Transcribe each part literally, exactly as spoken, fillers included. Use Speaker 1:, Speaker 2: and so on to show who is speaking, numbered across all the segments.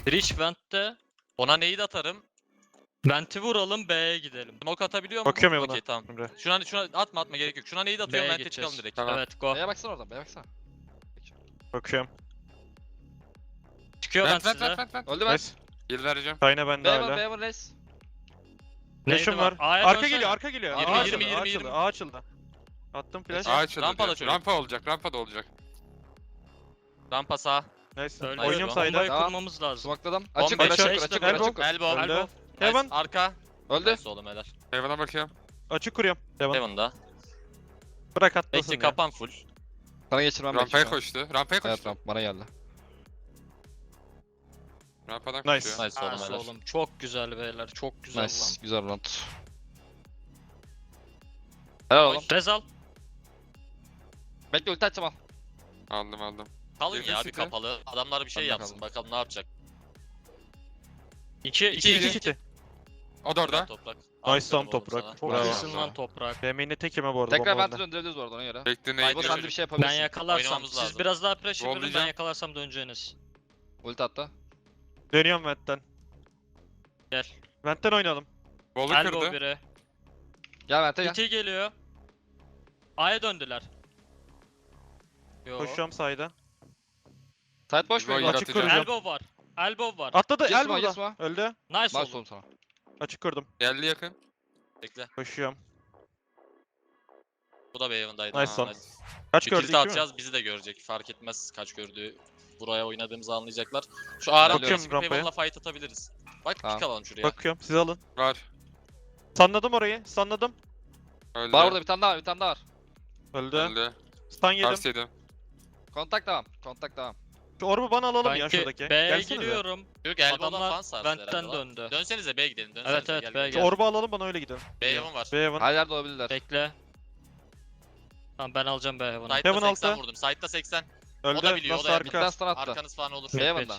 Speaker 1: Breach Vent'te.
Speaker 2: Ona neyi de atarım?
Speaker 1: Vent'i vuralım, B'ye gidelim.
Speaker 2: Smoke atabiliyor mu?
Speaker 3: Bakıyorum ya buna.
Speaker 2: Okey tamam.
Speaker 3: Emre.
Speaker 2: Şuna, şuna atma atma gerek yok. Şuna neyi de atıyorum,
Speaker 1: B'ye
Speaker 2: vente
Speaker 1: gideceğiz.
Speaker 2: çıkalım direkt.
Speaker 4: Tamam.
Speaker 1: Evet, go.
Speaker 4: B'ye baksana oradan, B'ye baksana.
Speaker 3: Bakıyorum.
Speaker 1: Çıkıyor ben
Speaker 4: Vent vent
Speaker 1: size.
Speaker 4: vent vent vent. Öldü ben.
Speaker 3: Nice.
Speaker 4: Heal vereceğim.
Speaker 3: Kayna bende
Speaker 4: B'ye
Speaker 3: hala.
Speaker 4: vur, B'ye vur reis.
Speaker 3: Flash'ım
Speaker 1: Neydi
Speaker 3: var.
Speaker 1: A'ya
Speaker 3: Arka
Speaker 1: dönsene.
Speaker 3: geliyor, arka geliyor.
Speaker 2: Yirmi,
Speaker 3: A
Speaker 2: yirmi,
Speaker 3: açıldı,
Speaker 2: yirmi,
Speaker 3: A açıldı,
Speaker 2: yirmi.
Speaker 3: A açıldı. Attım flash.
Speaker 4: A açıldı.
Speaker 2: Rampa da
Speaker 4: diyor.
Speaker 2: çocuk.
Speaker 4: Rampa olacak, rampa da olacak.
Speaker 2: Rampa sağ.
Speaker 3: Nice.
Speaker 1: Öyle.
Speaker 3: Oynuyorum
Speaker 2: Bombayı
Speaker 3: sayda.
Speaker 1: Bombayı
Speaker 4: Tamam.
Speaker 1: kurmamız lazım.
Speaker 4: Smokladım. Açık,
Speaker 2: Bomba
Speaker 4: açık,
Speaker 3: açık,
Speaker 4: açık, açık,
Speaker 3: elbow.
Speaker 4: açık.
Speaker 2: Elbow.
Speaker 3: Öldü.
Speaker 2: Nice.
Speaker 3: Heaven.
Speaker 2: Arka.
Speaker 4: Öldü.
Speaker 2: Nice oğlum helal.
Speaker 4: Heaven'a bakıyorum.
Speaker 3: Açık kuruyorum. Devam.
Speaker 2: Heaven'da.
Speaker 3: Bırak atlasın
Speaker 2: Bekle
Speaker 3: ya.
Speaker 2: kapan full.
Speaker 4: Sana geçirmem
Speaker 5: Rampaya
Speaker 4: gerekiyor.
Speaker 5: koştu. Rampaya
Speaker 4: Evet
Speaker 5: koştu.
Speaker 4: ramp bana geldi.
Speaker 5: Rampadan
Speaker 3: Nice.
Speaker 5: koşuyor.
Speaker 2: Nice oğlum
Speaker 1: Nice
Speaker 2: helal.
Speaker 1: oğlum. Çok güzel beyler. Çok güzel
Speaker 4: Nice.
Speaker 1: lan.
Speaker 4: Güzel round. Helal oğlum.
Speaker 1: Rezal.
Speaker 4: Bekle ulti açacağım al.
Speaker 5: Aldım aldım.
Speaker 2: Kalın
Speaker 5: Yakın
Speaker 2: ya bir
Speaker 5: city.
Speaker 2: kapalı. Adamlar bir şey
Speaker 4: Kalın,
Speaker 2: yapsın.
Speaker 4: kalın.
Speaker 2: Bakalım ne yapacak.
Speaker 1: İki,
Speaker 2: İki,
Speaker 1: iki,
Speaker 3: İki
Speaker 1: iki.
Speaker 3: city.
Speaker 5: O da orada.
Speaker 2: Toprak.
Speaker 3: Nice
Speaker 2: Aferin
Speaker 3: lan
Speaker 2: oğlum
Speaker 3: toprak.
Speaker 2: sana.
Speaker 1: Çok
Speaker 3: Bravo.
Speaker 1: iyisin lan toprak.
Speaker 3: B M'ini tek yeme bu arada.
Speaker 4: Tekrar
Speaker 3: bomba
Speaker 4: vent'i
Speaker 3: bende.
Speaker 4: döndürebiliriz bu arada ona göre.
Speaker 5: Bekle
Speaker 2: Haydi
Speaker 5: neydi?
Speaker 4: Bu
Speaker 2: Hayır,
Speaker 4: sen de
Speaker 2: çocuk.
Speaker 4: bir şey
Speaker 1: Ben
Speaker 4: yapabilirsin.
Speaker 1: yakalarsam,
Speaker 2: Oynamamız
Speaker 1: siz
Speaker 2: lazım.
Speaker 1: biraz daha pressure verin, ben
Speaker 5: Rollayacağım.
Speaker 1: yakalarsam döneceğiniz.
Speaker 4: Ulti attı.
Speaker 3: Dönüyorum Vent'ten.
Speaker 1: Gel.
Speaker 3: Vent'ten oynayalım.
Speaker 5: Bolu
Speaker 1: Elbow
Speaker 5: kırdı.
Speaker 1: biri.
Speaker 4: Gel vent'e gel.
Speaker 1: İki geliyor. A'ya döndüler. Yo.
Speaker 3: Koşuyorum sayda.
Speaker 4: Side boş mu?
Speaker 5: Roy
Speaker 4: Elbow?
Speaker 3: Açık
Speaker 5: yaratacağım.
Speaker 3: kuracağım.
Speaker 1: Elbow var. Elbow var.
Speaker 3: Atladı.
Speaker 4: Yes
Speaker 3: El
Speaker 4: ma, yes
Speaker 3: burada.
Speaker 4: ma.
Speaker 3: Öldü.
Speaker 1: Nice
Speaker 4: Nice
Speaker 1: oğlum.
Speaker 4: oğlum sana.
Speaker 3: Açık kurdum.
Speaker 5: Geldi yakın.
Speaker 2: Bekle.
Speaker 3: Koşuyorum.
Speaker 2: Bu da Beyon'daydı.
Speaker 3: Nice
Speaker 2: Ha,
Speaker 3: son. Kaç
Speaker 2: Bir
Speaker 3: gördü?
Speaker 2: kilit
Speaker 3: İki mi?
Speaker 2: atacağız bizi de görecek. Fark etmez kaç gördüğü. Buraya oynadığımızı anlayacaklar. Şu ağır
Speaker 3: Bakıyorum
Speaker 2: çıkıp
Speaker 3: rampaya.
Speaker 2: Heaven'la fight atabiliriz. Bak
Speaker 4: Tamam.
Speaker 2: pick alalım şuraya.
Speaker 3: Bakıyorum. Siz alın.
Speaker 5: Var.
Speaker 3: Sanladım orayı. Sanladım.
Speaker 5: Öldü.
Speaker 4: Var orada bir tane daha var, bir tane daha var.
Speaker 3: Öldü.
Speaker 5: Öldü.
Speaker 3: Stun yedim.
Speaker 5: Ters yedim.
Speaker 4: Kontak devam. Kontak devam.
Speaker 3: Şu orbu bana alalım ya
Speaker 1: Sanki
Speaker 3: şuradaki.
Speaker 1: B'ye
Speaker 3: Gelsenize.
Speaker 1: geliyorum.
Speaker 2: Çocuk elbow'dan
Speaker 1: Adamlar
Speaker 2: falan sarstı
Speaker 1: Vent'ten
Speaker 2: herhalde lan.
Speaker 1: döndü.
Speaker 2: Dönsenize B'ye gidelim. Dönsenize
Speaker 1: Evet, evet,
Speaker 2: gel,
Speaker 1: B'ye
Speaker 2: gel.
Speaker 3: Şu
Speaker 1: gel.
Speaker 3: orbu alalım bana öyle gidelim.
Speaker 2: B Heaven var.
Speaker 3: B Heaven.
Speaker 4: Her yerde olabilirler.
Speaker 1: Bekle. Tamam ben alacağım B Heaven'ı.
Speaker 2: Side'da
Speaker 3: Heaven
Speaker 2: seksen
Speaker 3: altı.
Speaker 2: vurdum. Side'da seksen.
Speaker 3: Öldü.
Speaker 2: O da biliyor, o
Speaker 3: Nasıl
Speaker 2: da
Speaker 3: arka?
Speaker 4: Midden stun attı.
Speaker 2: Arkanız falan olur.
Speaker 4: B Heaven'da.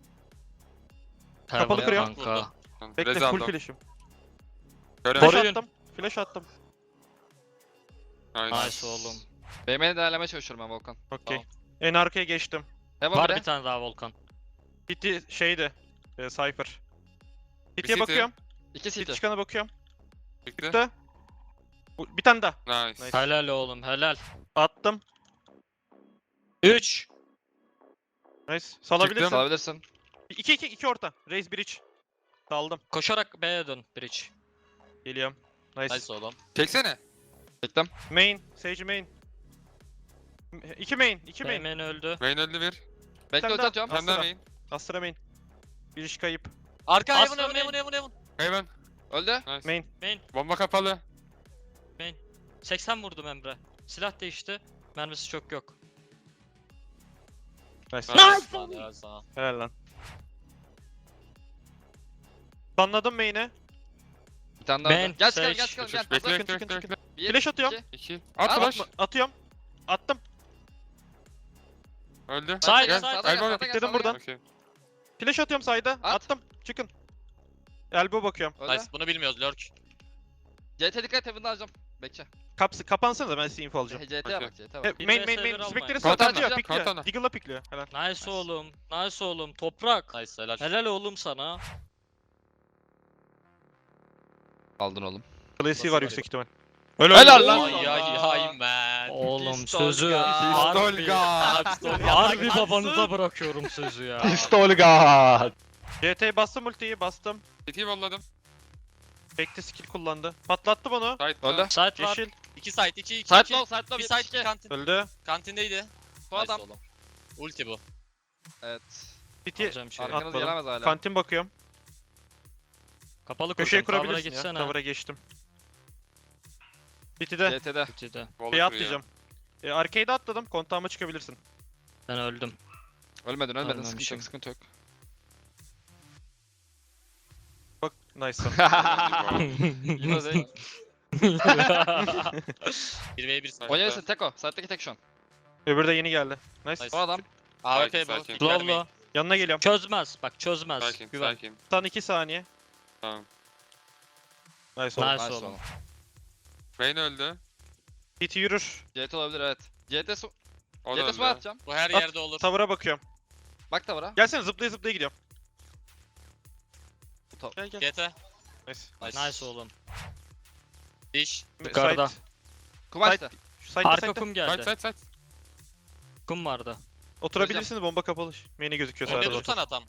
Speaker 3: Kapalı
Speaker 1: Heaven
Speaker 3: kırıyorum.
Speaker 1: kanka.
Speaker 3: Bekle
Speaker 5: Rez
Speaker 3: full
Speaker 5: aldım.
Speaker 3: flash'im.
Speaker 5: Görev.
Speaker 3: Flash
Speaker 1: Koruyun.
Speaker 3: attım. Flash attım.
Speaker 5: Aynen.
Speaker 1: Nice oğlum.
Speaker 4: B M'ni değerlemeye çalışıyorum ben Volkan.
Speaker 3: Okey.
Speaker 2: Tamam.
Speaker 3: En arkaya geçtim.
Speaker 4: Heaven
Speaker 1: Var
Speaker 4: biri.
Speaker 1: bir tane daha Volkan.
Speaker 3: City şeydi. E, Cypher. City'ye
Speaker 5: City.
Speaker 3: bakıyorum.
Speaker 4: İki
Speaker 3: City
Speaker 4: city.
Speaker 3: çıkana bakıyorum.
Speaker 5: Çıktı.
Speaker 3: Çıktı. Bu- Bir tane daha.
Speaker 5: Nice.
Speaker 3: Nice.
Speaker 1: Helal oğlum helal.
Speaker 3: Attım.
Speaker 1: üç.
Speaker 3: Nice. Salabilirsin.
Speaker 4: Salabilirsin.
Speaker 3: iki iki iki orta. Raise bridge. Saldım.
Speaker 1: Koşarak B'ye dön Bridge.
Speaker 3: Geliyorum. Nice.
Speaker 2: Nice oğlum.
Speaker 5: Çeksene.
Speaker 4: Bekle.
Speaker 3: Main. Sage main. iki main. iki main.
Speaker 1: B'men öldü.
Speaker 5: Main öldü bir.
Speaker 4: Bekle
Speaker 3: Sen
Speaker 4: ulti
Speaker 3: de-
Speaker 4: atıyorum.
Speaker 5: Sen de
Speaker 3: Astra.
Speaker 5: main.
Speaker 3: Astra main. Bir iş kayıp.
Speaker 2: Arka Heaven
Speaker 1: Aslan
Speaker 2: Heaven
Speaker 1: main.
Speaker 2: Heaven Heaven Heaven.
Speaker 5: Heaven.
Speaker 4: Öldü.
Speaker 5: Nice.
Speaker 3: Main.
Speaker 5: Bomba kapalı.
Speaker 1: seksen vurdum Emre. Silah değişti. Mermisi çok yok.
Speaker 3: Nice.
Speaker 5: Nice.
Speaker 2: Lan helal sana.
Speaker 3: Helal lan. Stunladım main'e.
Speaker 4: Bir tane daha
Speaker 1: Ben,
Speaker 4: öldü. Gel çıkalım
Speaker 1: Sage.
Speaker 4: gel çıkalım gel.
Speaker 5: Bekle
Speaker 4: Hazır.
Speaker 5: bekle
Speaker 3: çıkın,
Speaker 5: bekle.
Speaker 3: çıkın.
Speaker 5: bekle.
Speaker 4: Bir,
Speaker 3: Flash atıyorum.
Speaker 4: iki.
Speaker 5: İki. At
Speaker 4: At,
Speaker 5: flash.
Speaker 3: Atma- Atıyorum. Attım.
Speaker 5: Öldü.
Speaker 1: Side,
Speaker 5: Gel.
Speaker 1: side.
Speaker 4: Sağda gel,
Speaker 5: Elbow.
Speaker 4: sağda gel,
Speaker 3: Dedim
Speaker 4: sağda
Speaker 3: buradan.
Speaker 4: gel.
Speaker 5: Okey.
Speaker 3: Flash atıyorum side'a.
Speaker 4: At.
Speaker 3: Attım. Çıkın. Elbow bakıyorum.
Speaker 4: Öldü.
Speaker 2: Nice. Bunu bilmiyoruz lurk.
Speaker 4: C T dikkat et Heaven'da alacağım. Bekle.
Speaker 3: Kapsı kapansanız da ben size info alacağım.
Speaker 4: C T'ye
Speaker 5: Okey.
Speaker 4: bak C T'ye
Speaker 3: E,
Speaker 4: bak.
Speaker 1: Bir
Speaker 3: main
Speaker 1: vs
Speaker 3: main
Speaker 1: bir
Speaker 3: main.
Speaker 1: almayın.
Speaker 3: Spectre'ı
Speaker 5: Kalkan
Speaker 3: satıyor.
Speaker 5: da,
Speaker 3: Pikliyor.
Speaker 5: kalkan da.
Speaker 3: Deagle'la pikliyor. Helal.
Speaker 1: Nice oğlum. Nice oğlum. Toprak.
Speaker 2: Nice helal.
Speaker 1: Helal oğlum sana.
Speaker 4: Aldın oğlum.
Speaker 3: Klasiği
Speaker 2: Nasıl
Speaker 3: var
Speaker 2: var
Speaker 3: yüksek
Speaker 2: ya?
Speaker 3: ihtimal. Öyle
Speaker 4: Helal
Speaker 3: öyle.
Speaker 4: lan.
Speaker 2: Ay ay ay man.
Speaker 1: Oğlum
Speaker 4: Pistol
Speaker 1: sözü
Speaker 4: ya.
Speaker 1: harbi,
Speaker 5: Pistolga.
Speaker 1: harbi babanıza bırakıyorum sözü ya.
Speaker 4: Pistolga.
Speaker 3: C T'ye bastım ultiyi bastım.
Speaker 5: City'yi volladım.
Speaker 3: Bekti skill kullandı. Patlattı bunu.
Speaker 5: Side.
Speaker 4: Öldü.
Speaker 1: Site var.
Speaker 3: Yeşil.
Speaker 2: iki side iki iki.
Speaker 4: Side
Speaker 2: iki.
Speaker 4: low side low.
Speaker 2: Bir
Speaker 4: yetmiş
Speaker 2: side
Speaker 4: iki.
Speaker 2: kantin.
Speaker 3: Öldü.
Speaker 2: Kantindeydi.
Speaker 4: Son
Speaker 2: Nice
Speaker 4: adam.
Speaker 2: oğlum. Ulti bu.
Speaker 4: Evet.
Speaker 3: City
Speaker 1: Alacağım şey.
Speaker 4: Arkanız
Speaker 3: atmadım.
Speaker 4: gelemez hala.
Speaker 3: Kantin bakıyorum.
Speaker 1: Kapalı
Speaker 3: Köşeye
Speaker 1: kuracağım. Cover'a
Speaker 3: kurabilirsin ya.
Speaker 1: gitsene.
Speaker 3: Cover'a geçtim. City'de.
Speaker 4: C T'de.
Speaker 1: City'de.
Speaker 5: Bolu
Speaker 3: Şey
Speaker 5: kırıyor.
Speaker 3: atlayacağım. E, arcade'e atladım. Kontağıma çıkabilirsin.
Speaker 1: Ben öldüm.
Speaker 4: Ölmedin ölmedin. Sıkıntı
Speaker 1: Ölmemişim.
Speaker 4: yok sıkıntı yok.
Speaker 3: Bak nice.
Speaker 4: Yine de.
Speaker 2: bir ve bir side.
Speaker 4: Oynayabilirsin Teko. Side'deki tek şu an.
Speaker 3: Öbürü de yeni geldi. Nice.
Speaker 2: Nice.
Speaker 4: Son adam.
Speaker 2: A W P
Speaker 5: Sakin,
Speaker 2: bu.
Speaker 5: sakin.
Speaker 2: Pick vermeyin.
Speaker 1: Low'la.
Speaker 3: Yanına geliyorum.
Speaker 1: Çözmez. Bak çözmez.
Speaker 5: Sakin
Speaker 1: Güven.
Speaker 5: sakin.
Speaker 3: Stun iki saniye.
Speaker 5: Tamam.
Speaker 3: Nice oldu.
Speaker 1: Nice
Speaker 4: Nice
Speaker 1: oğlum.
Speaker 4: oğlum.
Speaker 5: Main öldü.
Speaker 3: City yürür.
Speaker 4: C T olabilir evet. C T su.
Speaker 5: O
Speaker 4: C
Speaker 5: da
Speaker 4: T su
Speaker 5: öldü.
Speaker 4: atacağım.
Speaker 2: Bu her
Speaker 3: At.
Speaker 2: yerde olur.
Speaker 3: Tavır'a bakıyorum.
Speaker 4: Bak tavara.
Speaker 3: Gelsene zıplaya zıplaya gidiyorum.
Speaker 4: top.
Speaker 3: Gel gel.
Speaker 2: G T.
Speaker 3: Nice.
Speaker 2: Nice.
Speaker 1: Nice oğlum.
Speaker 2: Diş.
Speaker 1: Yukarıda.
Speaker 3: Side.
Speaker 4: Kumaşta.
Speaker 3: Şu side'da
Speaker 1: Arka
Speaker 3: side'da.
Speaker 1: kum
Speaker 5: Side
Speaker 1: geldi.
Speaker 5: side side.
Speaker 1: Kum vardı.
Speaker 3: Oturabilirsiniz, bomba kapalı. Main'e gözüküyor
Speaker 2: Önde
Speaker 3: sağda.
Speaker 2: tutsana tam.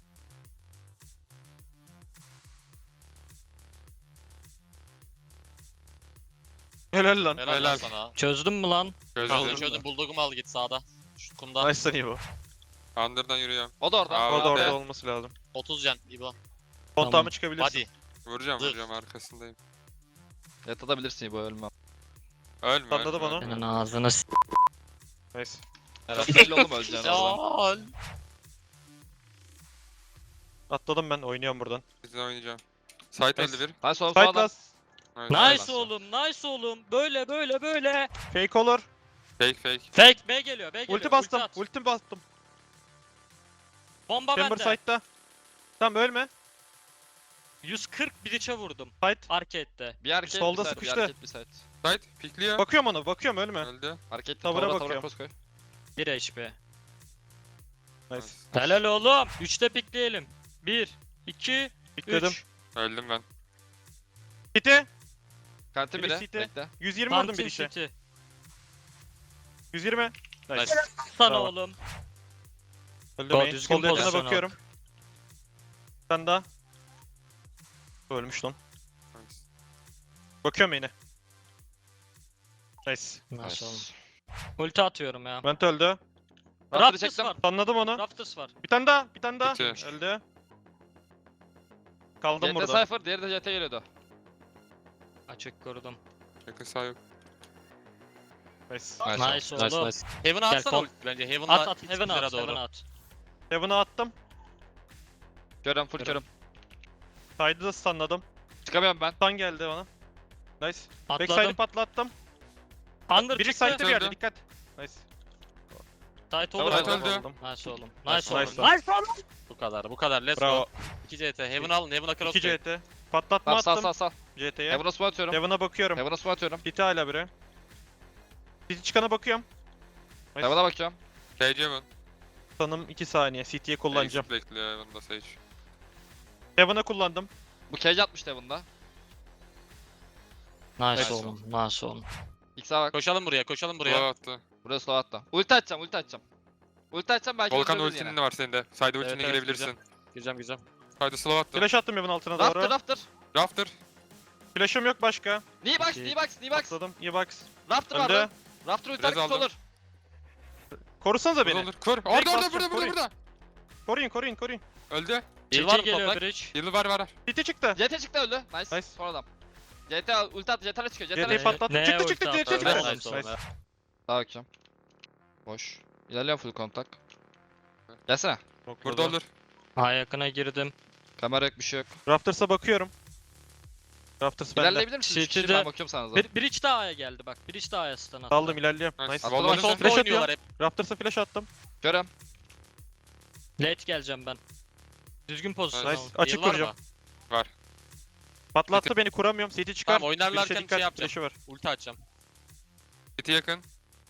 Speaker 3: Helal lan.
Speaker 2: Helal,
Speaker 5: Helal.
Speaker 2: lan sana.
Speaker 1: Çözdün mü lan?
Speaker 5: Gözüm.
Speaker 2: Çözdüm çözdüm. Bulldog'umu al git sağda. Şu kumda.
Speaker 3: Nice lan İbo.
Speaker 5: Under'dan yürüyorum.
Speaker 4: O da orada.
Speaker 5: Aa,
Speaker 3: Orada
Speaker 5: be.
Speaker 3: orada olması lazım.
Speaker 2: otuz can İbo.
Speaker 3: Kontağımı çıkabilirsin.
Speaker 2: Hadi.
Speaker 5: Vuracağım
Speaker 2: Dur.
Speaker 5: vuracağım arkasındayım.
Speaker 4: Yatabilirsin bu ölmem.
Speaker 5: Ölme.
Speaker 3: Atladı
Speaker 5: ölme.
Speaker 3: bana.
Speaker 1: Senin ağzını s***.
Speaker 3: Nice.
Speaker 2: Helal.
Speaker 4: Belli oğlum öleceğin oradan.
Speaker 2: Helal.
Speaker 3: Atladım ben, oynuyorum buradan.
Speaker 5: Bizden oynayacağım. Side
Speaker 3: Nice.
Speaker 5: öldü bir.
Speaker 4: Hadi sol
Speaker 3: Side
Speaker 4: sağdan.
Speaker 3: last.
Speaker 5: Nice.
Speaker 1: Nice oğlum, nice oğlum. Böyle böyle böyle.
Speaker 3: Fake olur.
Speaker 5: Fake fake.
Speaker 1: Fake B geliyor, B geliyor.
Speaker 3: Ulti bastım.
Speaker 1: at.
Speaker 3: Ulti bastım.
Speaker 1: Bomba
Speaker 3: Chamber
Speaker 1: bende.
Speaker 3: side'da. Tamam ölme.
Speaker 1: yüz kırk bir içe vurdum.
Speaker 3: Side.
Speaker 1: Arcade'de.
Speaker 4: Bir arcade
Speaker 3: Solda
Speaker 4: bir side,
Speaker 3: sıkıştı.
Speaker 4: Bir arcade bir side.
Speaker 5: Side pikliyor.
Speaker 3: Bakıyorum ona, bakıyorum ölme.
Speaker 5: Öldü.
Speaker 4: Arcade
Speaker 3: Tavıra
Speaker 4: tavıra
Speaker 3: bakıyorum.
Speaker 4: cross koy.
Speaker 1: bir H P.
Speaker 3: Nice.
Speaker 1: Helal oğlum. üçte pikleyelim. bir, iki,
Speaker 3: Pikledim.
Speaker 1: üç.
Speaker 5: Öldüm ben.
Speaker 3: City.
Speaker 4: Kantin
Speaker 3: Biri
Speaker 4: biri.
Speaker 3: city.
Speaker 4: Bekle.
Speaker 3: yüz yirmi vurdum bir
Speaker 1: Kantin
Speaker 3: işe.
Speaker 1: City.
Speaker 3: yüz yirmi. Nice.
Speaker 2: Nice.
Speaker 1: Sana
Speaker 3: Bravo.
Speaker 1: oğlum.
Speaker 3: Öldü
Speaker 1: Go,
Speaker 3: main.
Speaker 1: düzgün
Speaker 3: Sol yakına
Speaker 1: pozisyon
Speaker 3: bakıyorum. Sen daha. Ölmüş lan.
Speaker 5: Nice.
Speaker 3: Bakıyorum main'e. Nice.
Speaker 1: Nasıl oğlum? Ulti atıyorum ya.
Speaker 3: Vent öldü.
Speaker 4: Raptor'ı
Speaker 1: Raptors
Speaker 4: çektim.
Speaker 1: var.
Speaker 3: Anladım onu.
Speaker 1: Rafters var.
Speaker 3: Bir tane daha, bir tane daha.
Speaker 5: Bitti.
Speaker 3: Öldü. Kaldım
Speaker 4: G T
Speaker 3: burada.
Speaker 4: Cypher, diğeri de G T geliyordu.
Speaker 1: Açık korudum.
Speaker 5: Yakın sağ yok.
Speaker 3: Nice.
Speaker 1: Nice, oğlum.
Speaker 2: Nice. Heaven'a
Speaker 1: Gel,
Speaker 2: atsana
Speaker 1: kol.
Speaker 2: ulti bence. Heaven'a
Speaker 1: At at. Heaven'a at.
Speaker 2: doğru.
Speaker 1: Heaven'a at.
Speaker 3: Heaven'a attım.
Speaker 4: Görüyorum full körüm.
Speaker 3: Side'ı da stunladım.
Speaker 4: Çıkamıyorum ben.
Speaker 3: Stun geldi ona. Nice. Backside'ı
Speaker 1: Atladım.
Speaker 3: patlattım.
Speaker 1: Under
Speaker 3: Biri
Speaker 1: çıktı.
Speaker 3: side'de bir yerde,
Speaker 5: Öldü.
Speaker 3: dikkat. Nice.
Speaker 1: Tight
Speaker 4: Tamam,
Speaker 1: olur.
Speaker 5: Side
Speaker 4: tamam.
Speaker 5: öldü.
Speaker 3: Aldım.
Speaker 1: Nice oğlum.
Speaker 2: Nice
Speaker 1: Nice
Speaker 3: oğlum.
Speaker 1: oğlum. Nice oğlum.
Speaker 2: Bu kadar. Bu kadar. Let's
Speaker 3: Bravo.
Speaker 2: go. iki C T. Heaven alın. Heaven'a cross
Speaker 3: iki
Speaker 2: koy.
Speaker 3: C T. Patlatma
Speaker 4: Tamam sağ
Speaker 3: attım
Speaker 4: sağ sağ.
Speaker 3: C T'ye.
Speaker 4: Heaven'a smoke atıyorum.
Speaker 3: Heaven'a bakıyorum.
Speaker 4: Heaven'a smoke atıyorum.
Speaker 3: City hala biri. City çıkana bakıyorum. Nice.
Speaker 4: Heaven'a bakıyorum.
Speaker 5: Sage Heaven.
Speaker 3: Sanım iki saniye. City'ye kullanacağım.
Speaker 5: Exit bekliyor Heaven'da Sage.
Speaker 3: Heaven'a kullandım.
Speaker 4: Bu cage atmıştı Heaven'da.
Speaker 1: Nice
Speaker 2: Nice
Speaker 1: oğlum. Nice oğlum.
Speaker 4: X'e bak.
Speaker 2: Koşalım buraya. Koşalım
Speaker 5: Buraya
Speaker 2: buraya.
Speaker 5: attı.
Speaker 4: Buraya slow attı. Ulti atacağım, ulti atacağım. Ulti atacağım belki
Speaker 5: Volkan
Speaker 4: öldürürüz
Speaker 5: ultinin
Speaker 4: yine.
Speaker 5: de var senin de. Side ultine
Speaker 2: evet,
Speaker 5: girebilirsin.
Speaker 2: Gireceğim gireceğim.
Speaker 5: Side slow attı.
Speaker 3: Flash attım Heaven altına
Speaker 4: Rafter,
Speaker 3: doğru.
Speaker 4: Rafter.
Speaker 5: Rafter.
Speaker 3: Flash'ım yok başka.
Speaker 4: Knee box,
Speaker 1: İki.
Speaker 4: knee box, knee box.
Speaker 3: Atladım. İyi box.
Speaker 4: Rafter
Speaker 3: Öldü.
Speaker 4: vardı. Rafter ulti
Speaker 5: Biraz
Speaker 4: hareketi
Speaker 5: aldım.
Speaker 4: olur.
Speaker 3: Korusanıza
Speaker 5: Kur
Speaker 3: beni.
Speaker 5: olur. Kur. Orada orada
Speaker 3: basacağım,
Speaker 5: burada burada
Speaker 3: koruyun.
Speaker 5: burada.
Speaker 3: Koruyun koruyun koruyun.
Speaker 5: Öldü.
Speaker 2: Heal var
Speaker 1: C T
Speaker 2: mı
Speaker 1: geliyor
Speaker 2: toprak?
Speaker 1: bridge.
Speaker 5: Heal'ı var var.
Speaker 3: City çıktı.
Speaker 4: C T çıktı öldü. Nice.
Speaker 3: Nice.
Speaker 4: Son adam. C T ulti attı, C T'le çıkıyor, C
Speaker 3: C
Speaker 4: T'le
Speaker 3: T'yi
Speaker 1: Ne-
Speaker 4: çıkıyor.
Speaker 3: patlattım.
Speaker 1: neye
Speaker 3: Çıktı
Speaker 1: ulti
Speaker 3: çıktı. C T
Speaker 1: attı?
Speaker 3: çıktı.
Speaker 2: Nice,
Speaker 3: Nice.
Speaker 2: nice.
Speaker 4: Sağa bakacağım. Boş. İlerliyorum full kontak. Gelsene.
Speaker 5: Burada olur.
Speaker 1: Ha yakına girdim.
Speaker 4: Kamera yok, bir şey yok.
Speaker 3: Raptors'a bakıyorum. Rafters bende.
Speaker 4: İlerleyebilir misiniz? Üç kişi,
Speaker 1: City'de-
Speaker 4: ben bakıyorum sana.
Speaker 1: Bir, bridge daha A'ya geldi bak. Bridge daha A'ya stun attı.
Speaker 3: Daldım ilerliyorum.
Speaker 5: Nice.
Speaker 3: Nice.
Speaker 4: Atladım,
Speaker 5: Volkan
Speaker 4: atladım.
Speaker 2: Solda
Speaker 3: Flash
Speaker 2: oynuyorlar hep.
Speaker 3: Raptors'a flash attım.
Speaker 4: Görüyorum.
Speaker 1: Late geleceğim ben. Düzgün pozisyon
Speaker 3: Nice.
Speaker 1: alın.
Speaker 3: Açık
Speaker 2: Heal var
Speaker 3: kuracağım.
Speaker 2: mı?
Speaker 3: Patlattı beni, kuramıyorum. City çıkar.
Speaker 2: Tamam, oynarlarken
Speaker 3: Birisi
Speaker 2: şey
Speaker 3: dikkat,
Speaker 2: yapacağım.
Speaker 3: flash'ı var.
Speaker 2: Ulti açacağım.
Speaker 5: City yakın.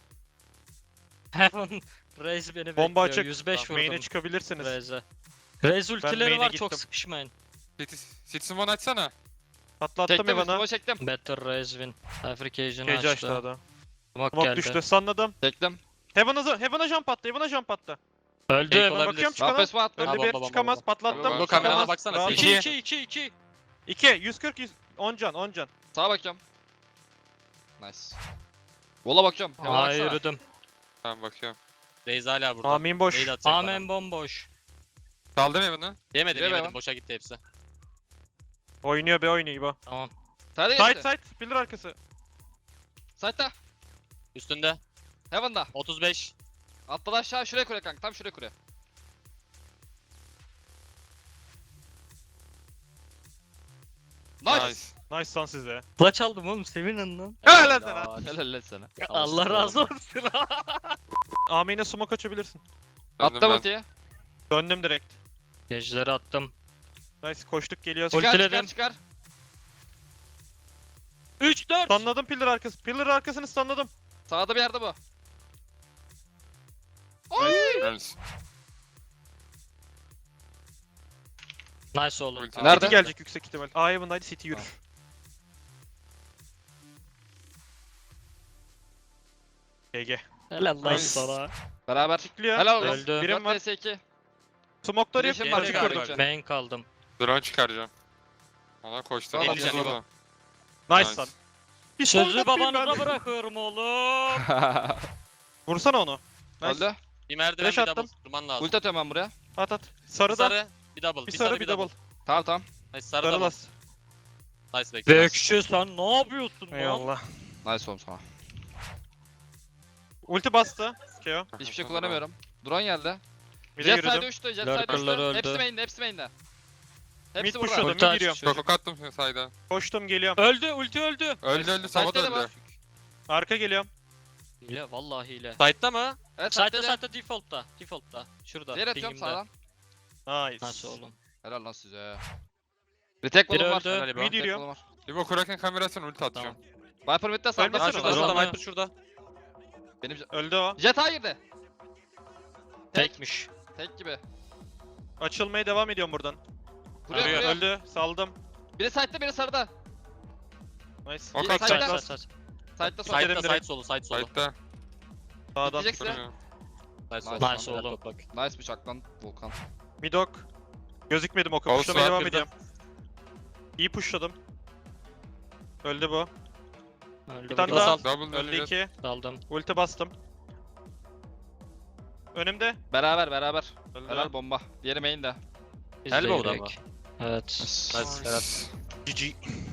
Speaker 1: Heaven Raze beni
Speaker 3: Bomba
Speaker 1: bekliyor.
Speaker 3: açık.
Speaker 1: yüz beş
Speaker 3: Main'e
Speaker 1: vurdum
Speaker 3: çıkabilirsiniz.
Speaker 1: Raze'e. Raze ultileri
Speaker 3: main'e
Speaker 1: var çok
Speaker 3: gittim.
Speaker 1: sıkışmayın.
Speaker 5: City. City Simon açsana.
Speaker 3: Patlattım
Speaker 4: Çektim,
Speaker 3: Evan'a.
Speaker 4: üstüme çektim.
Speaker 1: Better Raze win. Bifurcation'ı
Speaker 3: Cage
Speaker 1: açtı.
Speaker 3: açtı adam.
Speaker 1: Smoke
Speaker 3: Smoke
Speaker 1: geldi.
Speaker 3: düştü. Sanladım.
Speaker 4: Çektim.
Speaker 3: Heaven'a Heaven'a jump attı. Heaven'a jump attı.
Speaker 1: Öldü
Speaker 2: Fake
Speaker 1: Heaven.
Speaker 2: olabilir.
Speaker 3: Bakıyorum çıkana.
Speaker 4: Rampes mi attı?
Speaker 3: Öldü
Speaker 2: Ha, bomba,
Speaker 3: bir.
Speaker 2: bomba,
Speaker 3: Çıkamaz.
Speaker 2: bomba.
Speaker 3: Patlattım.
Speaker 5: Bomba,
Speaker 2: Bu kamerana
Speaker 3: Çıkamaz.
Speaker 2: baksana.
Speaker 3: Rahat.
Speaker 2: İki.
Speaker 1: iki iki iki iki.
Speaker 3: iki. yüz kırk. yüz. on can. on can.
Speaker 4: Sağa bakıyorum. Nice. Vola bakıyorum. Hemen
Speaker 1: Aa
Speaker 4: baksana.
Speaker 1: yürüdüm.
Speaker 5: Tamam bakıyorum.
Speaker 2: Reis hala burada.
Speaker 3: Amin boş.
Speaker 2: Nade atacak bana.
Speaker 1: Amen bomboş.
Speaker 5: Saldım Heaven'ı.
Speaker 2: Yemedim
Speaker 4: Yeme
Speaker 2: yemedim.
Speaker 4: lan.
Speaker 2: Boşa gitti hepsi.
Speaker 3: Oynuyor be oynuyor İbo.
Speaker 1: Tamam.
Speaker 4: Side
Speaker 3: Side
Speaker 4: geçti.
Speaker 3: side. Pillar arkası.
Speaker 4: Side'da.
Speaker 2: Üstünde.
Speaker 4: Heaven'da.
Speaker 2: otuz beş.
Speaker 4: Atladı aşağı, şuraya kure kanka. Tam şuraya kure. Nice.
Speaker 5: Nice.
Speaker 3: Nice lan size.
Speaker 1: Clutch aldım oğlum sevinin lan.
Speaker 3: Helal lan sana.
Speaker 4: Helal lan sana.
Speaker 1: Allah razı olsun.
Speaker 3: Amin'e smoke açabilirsin.
Speaker 5: Döndüm
Speaker 4: Attım
Speaker 5: ben.
Speaker 4: ultiyi.
Speaker 3: Döndüm direkt.
Speaker 1: Geceleri attım.
Speaker 3: Nice koştuk geliyoruz.
Speaker 1: Ul-
Speaker 4: Çıkar çıkar
Speaker 1: Ultiledim.
Speaker 4: çıkar.
Speaker 1: üç dört.
Speaker 3: Stunladım pillar arkası. Pillar arkasını stunladım.
Speaker 4: Sağda bir yerde bu.
Speaker 5: Nice.
Speaker 1: Nice oğlum.
Speaker 5: Ulti.
Speaker 4: Nerede?
Speaker 3: City gelecek yüksek ihtimal. A Heaven'daydı, City yürür. G G.
Speaker 1: Helal lan
Speaker 3: Nice.
Speaker 1: sana.
Speaker 4: Beraber.
Speaker 3: Çıklıyor.
Speaker 4: Helal olsun.
Speaker 1: Öldü.
Speaker 3: Birim var.
Speaker 4: dört vs iki.
Speaker 3: Smoke'ları yok.
Speaker 4: Flash'im var
Speaker 3: Açık
Speaker 2: galiba.
Speaker 3: kurdum.
Speaker 1: Main kaldım.
Speaker 5: Drone çıkaracağım. Ona koştu.
Speaker 4: Tamam,
Speaker 5: Alacağım
Speaker 2: tamam.
Speaker 5: onu.
Speaker 3: Nice
Speaker 5: Nice.
Speaker 3: lan. Bir
Speaker 1: Sözü
Speaker 3: shot atayım
Speaker 1: babanıza
Speaker 3: ben.
Speaker 1: bırakıyorum oğlum.
Speaker 3: Vursana onu. Nice.
Speaker 4: Öldü.
Speaker 2: Bir merdiven
Speaker 3: Flash
Speaker 2: bir double.
Speaker 3: attım.
Speaker 2: Durman lazım.
Speaker 4: Ulti atıyorum ben buraya.
Speaker 3: At at.
Speaker 2: Bir
Speaker 3: Sarı da.
Speaker 2: sarı, bir double.
Speaker 3: Bir sarı bir double.
Speaker 4: Tamam tamam.
Speaker 2: Nice sarı
Speaker 3: Sarı
Speaker 2: double.
Speaker 3: las.
Speaker 2: Nice bekle. nice.
Speaker 1: Bekşi sen ne yapıyorsun lan?
Speaker 3: Eyvallah.
Speaker 4: Nice oğlum sana.
Speaker 3: Ulti bastı. Keo.
Speaker 4: Hiçbir şey kullanamıyorum. Drone geldi.
Speaker 3: Bir de
Speaker 4: Jet side
Speaker 3: yürüdüm.
Speaker 4: uçtu. Jet side
Speaker 1: Lurker'lar
Speaker 4: uçtu.
Speaker 1: öldü.
Speaker 4: Hepsi main'de. Hepsi main'de.
Speaker 3: Mid
Speaker 4: Hepsi
Speaker 3: pushladım.
Speaker 4: burada.
Speaker 3: Mid
Speaker 1: Ulti
Speaker 3: giriyorum.
Speaker 1: aç.
Speaker 5: Çok attım sayda.
Speaker 3: Koştum geliyorum.
Speaker 1: Öldü ulti öldü.
Speaker 5: Öldü öldü Sava da
Speaker 4: Side'de de var.
Speaker 5: öldü.
Speaker 3: Arka geliyorum.
Speaker 1: Hile vallahi hile.
Speaker 2: Side'da mı?
Speaker 4: Evet
Speaker 1: Site'da
Speaker 4: side'de de.
Speaker 1: site'da default'ta. Default'ta. Şurada.
Speaker 4: Diğer atıyorum
Speaker 1: pingimde.
Speaker 4: sağdan.
Speaker 3: Nice.
Speaker 1: Nasıl oğlum?
Speaker 4: Helal lan size. Retake
Speaker 1: Biri
Speaker 4: volum var.
Speaker 1: öldü.
Speaker 4: Helal İbo.
Speaker 3: Mid
Speaker 4: Retake
Speaker 3: yürüyorum.
Speaker 4: volum var.
Speaker 5: İbo Kraken kamerasını ulti atacağım.
Speaker 4: Viper mid'de sağda.
Speaker 3: Ölmesene
Speaker 2: Ha
Speaker 3: lan.
Speaker 2: şurada,
Speaker 1: Kazandı.
Speaker 2: şurada, Viper şurada.
Speaker 4: Benim jet-
Speaker 3: Öldü o.
Speaker 4: Jet A girdi. Tek.
Speaker 1: Tekmiş.
Speaker 4: Tek gibi.
Speaker 3: Açılmaya devam ediyorum buradan.
Speaker 4: Vuruyor
Speaker 2: Arıyor.
Speaker 4: vuruyor.
Speaker 3: Öldü. Saldım.
Speaker 4: Biri side'de biri sarıda.
Speaker 3: Nice.
Speaker 5: Ok
Speaker 4: Side-
Speaker 5: atacağım.
Speaker 4: Side'da.
Speaker 1: Side, side.
Speaker 4: Side'da sol.
Speaker 3: Side-
Speaker 2: Side'da,
Speaker 3: direkt.
Speaker 2: side solu, side solu.
Speaker 5: Side'da.
Speaker 3: Sağdan.
Speaker 4: Bitecek size.
Speaker 5: Duruyor.
Speaker 2: Nice
Speaker 4: Nice.
Speaker 2: oldu.
Speaker 1: Nice oğlum.
Speaker 4: Nice bıçak lan Volkan.
Speaker 3: Midok. Gözükmedim oku.
Speaker 5: Olsun,
Speaker 3: Pushlamaya devam
Speaker 5: bir de.
Speaker 3: ediyorum. İyi pushladım. Öldü bu.
Speaker 1: Öldü
Speaker 3: Bir tane
Speaker 1: bu
Speaker 3: daha.
Speaker 1: da.
Speaker 5: Double
Speaker 3: Öldü
Speaker 5: öldü.
Speaker 3: iki.
Speaker 1: Daldım.
Speaker 3: Ulti bastım. Önümde.
Speaker 4: Beraber beraber.
Speaker 3: Öldü.
Speaker 4: Helal bomba. Diğeri main'de.
Speaker 1: Biz
Speaker 2: Elbow'da
Speaker 1: de
Speaker 2: mı?
Speaker 1: yürek. Evet.
Speaker 2: Nice, helal.
Speaker 3: G G.